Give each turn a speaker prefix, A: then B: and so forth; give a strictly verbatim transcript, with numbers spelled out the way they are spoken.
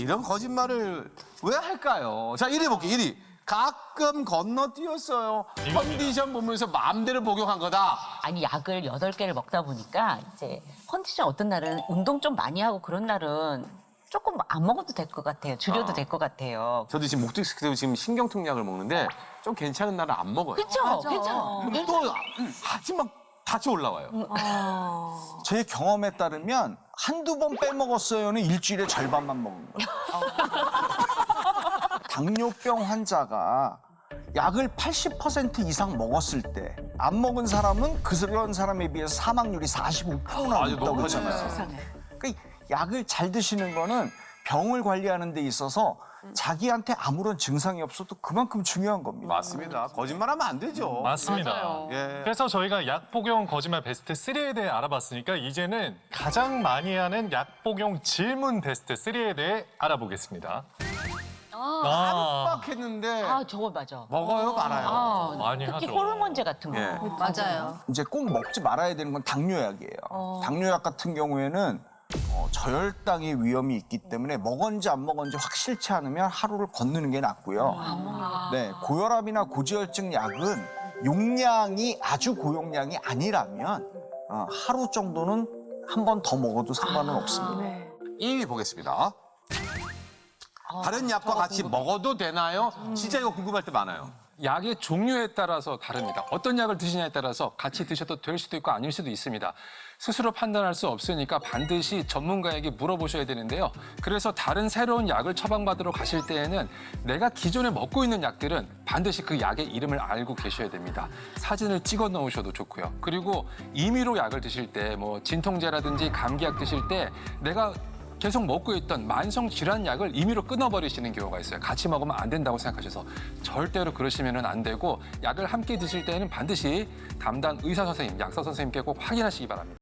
A: 이런 거짓말을 왜 할까요? 자, 일 위 볼게요, 일 위. 가끔 건너뛰었어요. 컨디션 보면서 마음대로 복용한 거다.
B: 아니 약을 여덟 개를 먹다 보니까 이제 컨디션 어떤 날은 운동 좀 많이 하고 그런 날은 조금 안 먹어도 될 것 같아요. 줄여도 될 것 같아요.
A: 저도 지금 목적식 때문에 지금 신경통약을 먹는데 좀 괜찮은 날은 안 먹어요.
B: 그렇죠? 괜찮아.
A: 그럼 또 하지만 다시 올라와요.
C: 제 경험에 따르면 한두 번 빼먹었어요는 일주일에 절반만 먹는 거예요. 당뇨병 환자가 약을 팔십 퍼센트 이상 먹었을 때 안 먹은 사람은 그런 사람에 비해서 사망률이 사십오 퍼센트나
A: 아주
C: 높다고
A: 높아져요.
C: 그러잖아요. 그러니까 약을 잘 드시는 거는 병을 관리하는 데 있어서 자기한테 아무런 증상이 없어도 그만큼 중요한 겁니다.
A: 맞습니다. 거짓말하면 안 되죠.
D: 맞습니다.
A: 예.
D: 그래서 저희가 약 복용 거짓말 베스트 삼에 대해 알아봤으니까 이제는 가장 많이 하는 약 복용 질문 베스트 삼에 대해 알아보겠습니다. 아,
A: 빡했는데
B: 아 저거 맞아.
A: 먹어요, 말아요.
B: 아,
D: 많이
B: 특히
D: 하죠.
B: 호르몬제 같은 거.
A: 예.
E: 맞아요.
C: 이제 꼭 먹지 말아야 되는 건 당뇨약이에요. 당뇨약 같은 경우에는 어, 저혈당의 위험이 있기 때문에 먹었는지 안 먹었는지 확실치 않으면 하루를 건너는 게 낫고요. 네, 고혈압이나 고지혈증 약은 용량이 아주 고용량이 아니라면 어, 하루 정도는 한 번 더 먹어도 상관은 없습니다.
A: 이 위 보겠습니다. 다른 약과 같이 먹어도 되나요? 진짜 이거 궁금할 때 많아요.
F: 약의 종류에 따라서 다릅니다. 어떤 약을 드시냐에 따라서 같이 드셔도 될 수도 있고 아닐 수도 있습니다. 스스로 판단할 수 없으니까 반드시 전문가에게 물어보셔야 되는데요. 그래서 다른 새로운 약을 처방받으러 가실 때에는 내가 기존에 먹고 있는 약들은 반드시 그 약의 이름을 알고 계셔야 됩니다. 사진을 찍어 놓으셔도 좋고요. 그리고 임의로 약을 드실 때 뭐 진통제라든지 감기약 드실 때 내가 계속 먹고 있던 만성 질환 약을 임의로 끊어버리시는 경우가 있어요. 같이 먹으면 안 된다고 생각하셔서 절대로 그러시면 안 되고 약을 함께 드실 때는 반드시 담당 의사 선생님, 약사 선생님께 꼭 확인하시기 바랍니다.